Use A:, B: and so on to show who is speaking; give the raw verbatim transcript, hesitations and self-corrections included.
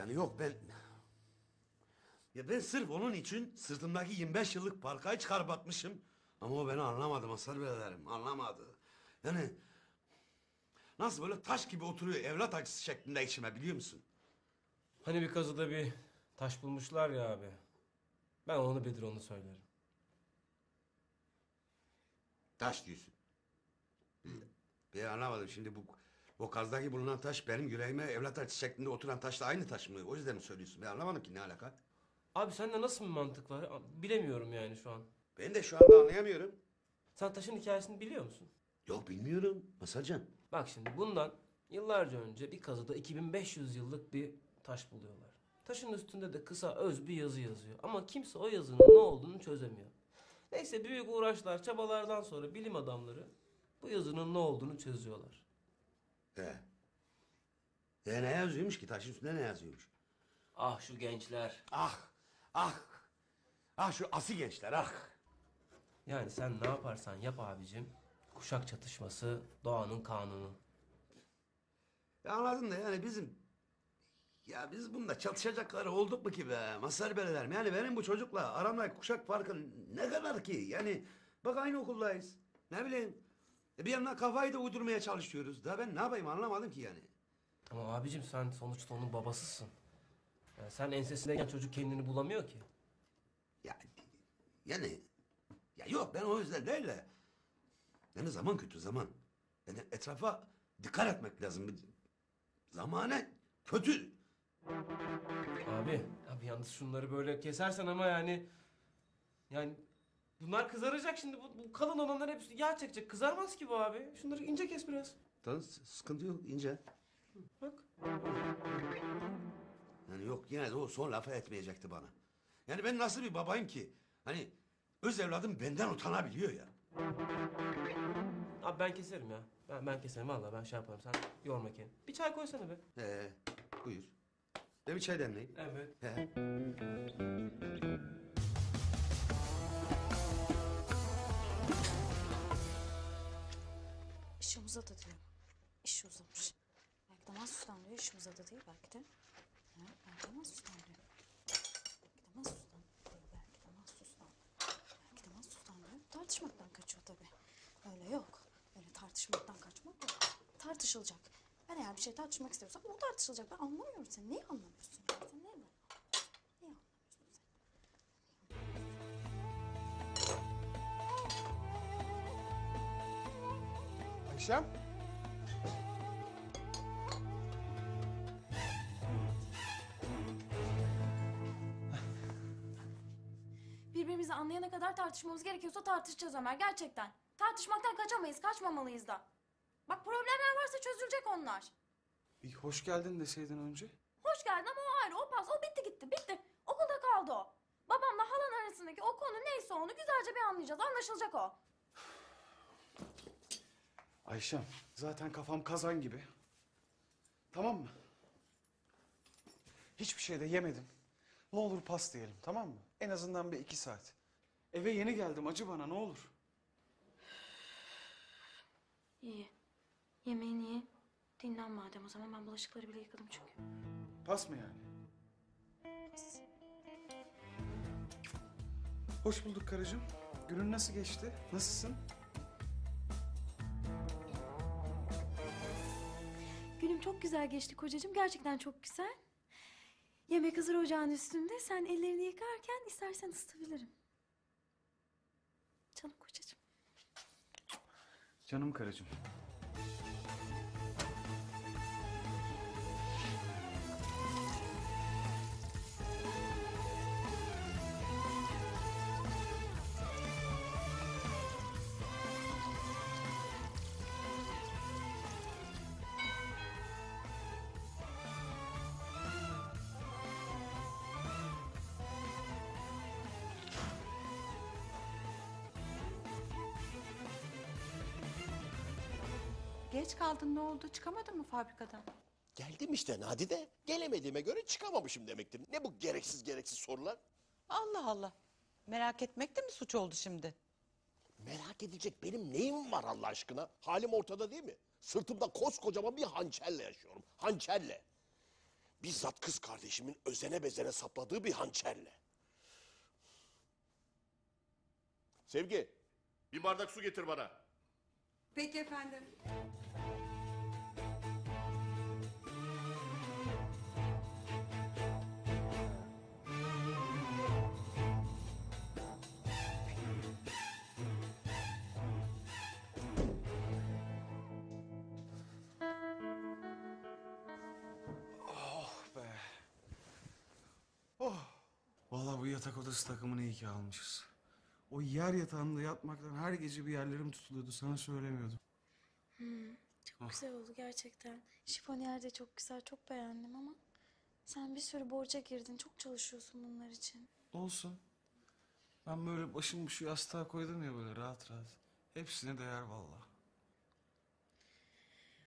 A: Yani yok ben... Ya ben sırf onun için sırtımdaki yirmi beş yıllık parkayı çıkarıp atmışım. Ama o beni anlamadı Mazhar biraderim, anlamadı. Yani... Nasıl böyle taş gibi oturuyor evlat acısı şeklinde içime biliyor musun?
B: Hani bir kazıda bir taş bulmuşlar ya abi. Ben onu bilir onu söylerim.
A: Taş diyorsun. Ben anlamadım şimdi bu... O kazdaki bulunan taş benim yüreğime evlat acısı şeklinde oturan taşla aynı taş mı? O yüzden mi söylüyorsun? Ben anlamadım ki ne alaka?
B: Abi sende nasıl bir mantık var? Bilemiyorum yani şu an.
A: Ben de şu anda anlayamıyorum.
B: Sen taşın hikayesini biliyor musun?
A: Yok bilmiyorum Mazharcan.
B: Bak şimdi bundan yıllarca önce bir kazıda iki bin beş yüz yıllık bir taş buluyorlar. Taşın üstünde de kısa öz bir yazı yazıyor. Ama kimse o yazının ne olduğunu çözemiyor. Neyse büyük uğraşlar, çabalardan sonra bilim adamları bu yazının ne olduğunu çözüyorlar.
A: He. E ne yazıyormuş ki? Taşın üstünde ne yazıyormuş?
B: Ah şu gençler.
A: Ah, ah, ah şu asi gençler ah.
B: Yani sen ne yaparsan yap abicim. Kuşak çatışması doğanın kanunu.
A: Ya anladın da yani bizim... Ya biz bunda çatışacakları olduk mu ki be? Mazhar beylerim. Yani benim bu çocukla aramdaki kuşak farkı ne kadar ki? Yani bak aynı okuldayız. Ne bileyim. E bir yandan kafayı da uydurmaya çalışıyoruz. Daha ben ne yapayım anlamadım ki yani.
B: Ama abicim sen sonuçta onun babasısın. Yani sen ensesindeyken çocuk kendini bulamıyor ki.
A: Ya yani... Ya yok ben o yüzden değil de... Yani zaman kötü zaman. Yani etrafa dikkat etmek lazım. Zamane kötü.
B: Abi, abi yalnız şunları böyle kesersen ama yani... Yani bunlar kızaracak şimdi. Bu, bu kalın olanlar hepsi yağ çekecek. Kızarmaz ki bu abi. Şunları ince kes biraz.
A: Tamam sıkıntı yok ince.
B: Bak.
A: Yani yok yine de o son lafı etmeyecekti bana. Yani ben nasıl bir babayım ki? Hani öz evladım benden utanabiliyor ya.
B: Abi ben keserim ya. Ben, ben keserim vallahi ben şey yaparım. Sen yorma kendini. Bir çay koysana be.
A: Ee, buyur. Ben bir çay demleyeyim.
B: Evet.
A: He.
C: İşi uzadı diyor. İşi uzamış. Belki de mahsustan diyor. İşi uzadı değil belki de. Ha, belki de mahsustan diyor. Belki de mahsustan diyor. Belki de mahsustan. Belki de mahsustan diyor. Tartışmaktan kaçıyor tabii. Öyle yok. Öyle tartışmaktan kaçmak yok. Tartışılacak. Ben eğer bir şey tartışmak istiyorsam o tartışılacak. Ben anlamıyorum seni. Neyi anlamıyorsun yani? Sen neyi anlamıyorsun? Neyi anlamıyorsun sen?
D: Ayşem.
C: Birbirimizi anlayana kadar tartışmamız gerekiyorsa tartışacağız Ömer gerçekten. Tartışmaktan kaçamayız, kaçmamalıyız da. Bak problemler varsa çözülecek onlar.
D: Bir hoş geldin deseydin önce.
C: Hoş geldin ama o ayrı, o pas, o bitti gitti, bitti. Okulda kaldı o. Babamla halan arasındaki o konu neyse onu güzelce bir anlayacağız, anlaşılacak o.
D: Ayşem, zaten kafam kazan gibi. Tamam mı? Hiçbir şey de yemedim. Ne olur pas diyelim, tamam mı? En azından bir iki saat. Eve yeni geldim, acı bana ne olur.
C: İyi. Yemeğini ye. Dinlen madem o zaman. Ben bulaşıkları bile yıkadım çünkü.
D: Pas mı yani?
C: Pas.
D: Hoş bulduk karıcığım. Günün nasıl geçti? Nasılsın?
C: Günüm çok güzel geçti kocacığım. Gerçekten çok güzel. Yemek hazır ocağın üstünde. Sen ellerini yıkarken istersen ısıtabilirim. Canım kocacığım.
D: Canım karıcığım.
E: Geç kaldın ne oldu? Çıkamadın mı fabrikadan?
F: Geldim işte Nadide. Gelemediğime göre çıkamamışım demektir. Ne bu gereksiz gereksiz sorular?
E: Allah Allah. Merak etmek de mi suç oldu şimdi?
F: Merak edecek benim neyim var Allah aşkına? Halim ortada değil mi? Sırtımda koskocaman bir hançerle yaşıyorum. Hançerle. Bizzat kız kardeşimin özene bezene sapladığı bir hançerle. Sevgi, bir bardak su getir bana.
G: Peki efendim.
D: Oh be. Oh. Vallahi bu yatak odası takımını iyi ki almışız. O yer yatağında yatmaktan her gece bir yerlerim tutuluyordu. Sana söylemiyordum.
C: Çok güzel oldu gerçekten. Şifoniyer de çok güzel, çok beğendim ama sen bir sürü borca girdin. Çok çalışıyorsun bunlar için.
D: Olsun. Ben böyle başımı şu yastığa koydum ya böyle rahat rahat. Hepsine değer vallahi.